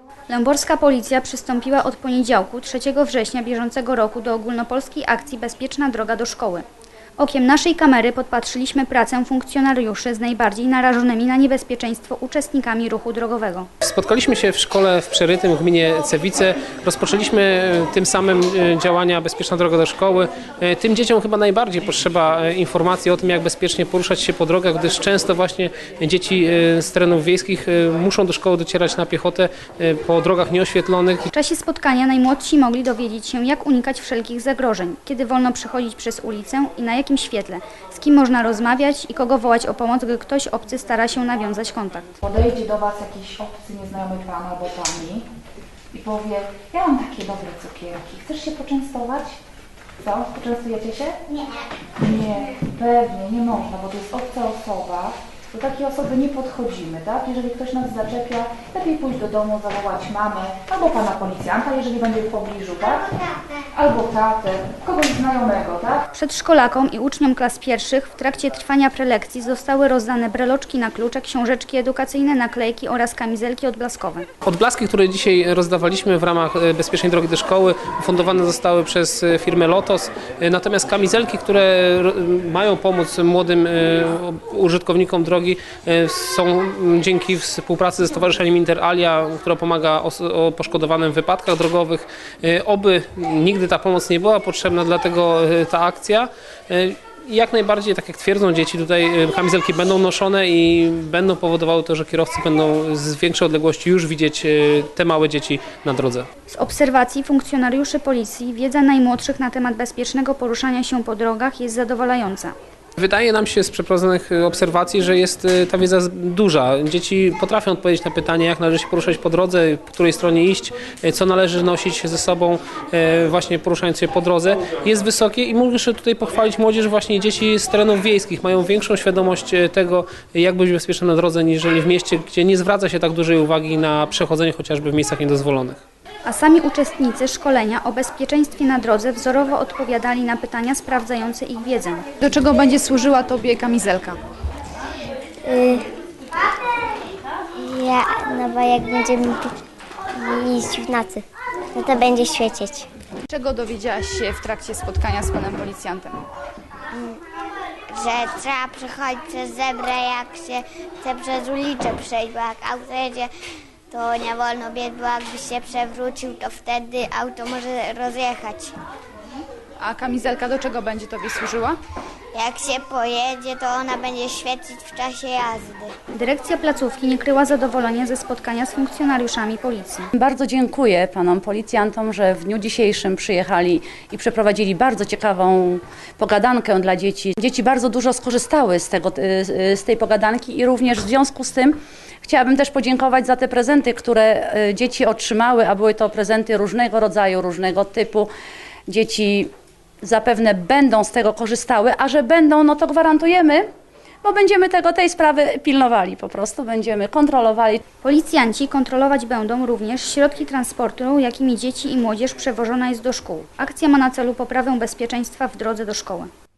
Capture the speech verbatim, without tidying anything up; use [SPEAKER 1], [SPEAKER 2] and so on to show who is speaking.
[SPEAKER 1] Lęborska Policja przystąpiła od poniedziałku, trzeciego września bieżącego roku do ogólnopolskiej akcji Bezpieczna droga do szkoły. Okiem naszej kamery podpatrzyliśmy pracę funkcjonariuszy z najbardziej narażonymi na niebezpieczeństwo uczestnikami ruchu drogowego.
[SPEAKER 2] Spotkaliśmy się w szkole w Przerytym w gminie Cewice. Rozpoczęliśmy tym samym działania Bezpieczna droga do szkoły. Tym dzieciom chyba najbardziej potrzeba informacji o tym, jak bezpiecznie poruszać się po drogach, gdyż często właśnie dzieci z terenów wiejskich muszą do szkoły docierać na piechotę po drogach nieoświetlonych.
[SPEAKER 1] W czasie spotkania najmłodsi mogli dowiedzieć się, jak unikać wszelkich zagrożeń, kiedy wolno przechodzić przez ulicę i na jakim świetle, z kim można rozmawiać i kogo wołać o pomoc, gdy ktoś obcy stara się nawiązać kontakt.
[SPEAKER 3] Podejdzie do Was jakiś obcy, nieznajomy pan albo pani i powie: ja mam takie dobre cukierki, chcesz się poczęstować? Co? Poczęstujecie się?
[SPEAKER 4] Nie.
[SPEAKER 3] Nie, pewnie, nie można, bo to jest obca osoba. Do takiej osoby nie podchodzimy, tak? Jeżeli ktoś nas zaczepia, lepiej pójść do domu, zawołać mamę, albo pana policjanta, jeżeli będzie w pobliżu, tak? Albo tatę, kogoś znajomego, tak?
[SPEAKER 1] Przedszkolakom i uczniom klas pierwszych w trakcie trwania prelekcji zostały rozdane breloczki na klucze, książeczki edukacyjne, naklejki oraz kamizelki odblaskowe.
[SPEAKER 2] Odblaski, które dzisiaj rozdawaliśmy w ramach Bezpiecznej drogi do szkoły, ufundowane zostały przez firmę Lotos. Natomiast kamizelki, które mają pomóc młodym użytkownikom drogi, są dzięki współpracy ze Stowarzyszeniem Inter Alia, która pomaga poszkodowanym w wypadkach drogowych. Oby nigdy ta pomoc nie była potrzebna, dlatego ta akcja. Jak najbardziej, tak jak twierdzą dzieci, tutaj kamizelki będą noszone i będą powodowały to, że kierowcy będą z większej odległości już widzieć te małe dzieci na drodze.
[SPEAKER 1] Z obserwacji funkcjonariuszy policji wiedza najmłodszych na temat bezpiecznego poruszania się po drogach jest zadowalająca.
[SPEAKER 2] Wydaje nam się z przeprowadzonych obserwacji, że jest ta wiedza duża. Dzieci potrafią odpowiedzieć na pytanie, jak należy się poruszać po drodze, po której stronie iść, co należy nosić ze sobą właśnie poruszając się po drodze. Jest wysokie i muszę tutaj pochwalić młodzież, właśnie dzieci z terenów wiejskich mają większą świadomość tego, jak być bezpiecznym na drodze, niż w mieście, gdzie nie zwraca się tak dużej uwagi na przechodzenie chociażby w miejscach niedozwolonych.
[SPEAKER 1] A sami uczestnicy szkolenia o bezpieczeństwie na drodze wzorowo odpowiadali na pytania sprawdzające ich wiedzę.
[SPEAKER 5] Do czego będzie służyła Tobie kamizelka?
[SPEAKER 4] Y ja, no bo jak będziemy iść w nocy, no to będzie świecieć.
[SPEAKER 5] Czego dowiedziałaś się w trakcie spotkania z panem policjantem?
[SPEAKER 4] Że trzeba przechodzić przez zebrę, jak się chce przez ulicę przejść, bo jak auto jedzie, to nie wolno biec, bo jakbyś się przewrócił, to wtedy auto może rozjechać.
[SPEAKER 5] A kamizelka do czego będzie Tobie służyła?
[SPEAKER 4] Jak się pojedzie, to ona będzie świecić w czasie jazdy.
[SPEAKER 1] Dyrekcja placówki nie kryła zadowolenia ze spotkania z funkcjonariuszami policji.
[SPEAKER 6] Bardzo dziękuję panom policjantom, że w dniu dzisiejszym przyjechali i przeprowadzili bardzo ciekawą pogadankę dla dzieci. Dzieci bardzo dużo skorzystały z, tego, z tej pogadanki i również w związku z tym chciałabym też podziękować za te prezenty, które dzieci otrzymały, a były to prezenty różnego rodzaju, różnego typu. Dzieci zapewne będą z tego korzystały, a że będą, no to gwarantujemy, bo będziemy tego, tej sprawy pilnowali po prostu, będziemy kontrolowali.
[SPEAKER 1] Policjanci kontrolować będą również środki transportu, jakimi dzieci i młodzież przewożona jest do szkół. Akcja ma na celu poprawę bezpieczeństwa w drodze do szkoły.